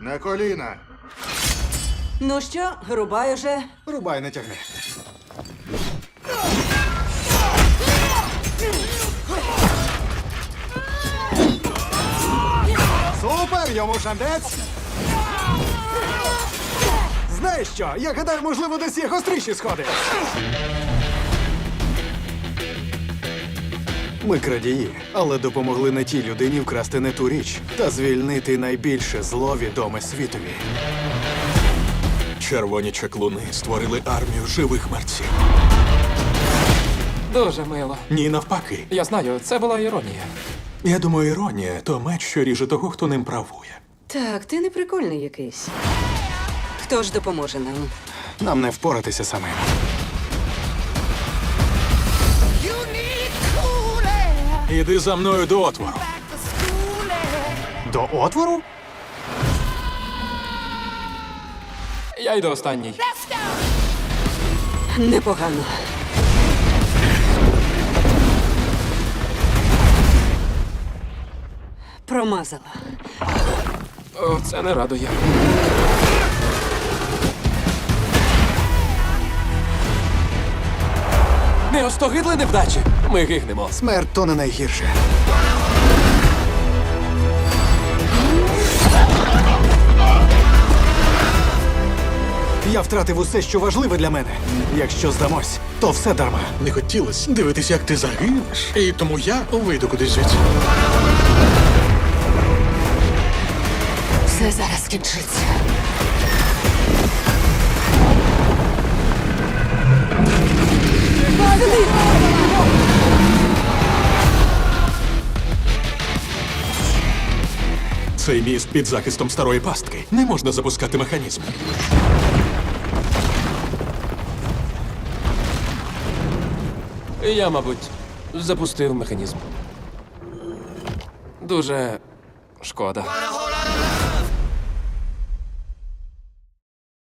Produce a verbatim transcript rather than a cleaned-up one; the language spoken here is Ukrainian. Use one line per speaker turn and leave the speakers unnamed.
На коліна.
Ну що, рубай уже.
Рубай, не тягни. Супер, йому шандець. Знаєш що? Я гадаю, можливо, десь є гостріші сходи. Ми крадії, але допомогли не тій людині вкрасти не ту річ та звільнити найбільше зло відоме світові.
Червоні чаклуни створили армію живих мерців.
Дуже мило.
Ні, навпаки.
Я знаю, це була іронія.
Я думаю, іронія – то меч, що ріже того, хто ним правує.
Так, ти не прикольний якийсь. Хто ж допоможе нам?
Нам не впоратися самим.
Іди за мною до отвору.
До отвору?
Я йду останній.
Непогано. Промазала.
О, це не радує. Не остогидли невдачі. Ми гигнемо.
Смерть то не найгірше. Я втратив усе, що важливе для мене. Якщо здамось, то все дарма.
Не хотілося дивитися, як ти загинеш, і тому я вийду кудись звідси.
Все зараз скінчиться.
Цей міст під захистом старої пастки. Не можна запускати механізм.
Я, мабуть, запустив механізм. Дуже шкода.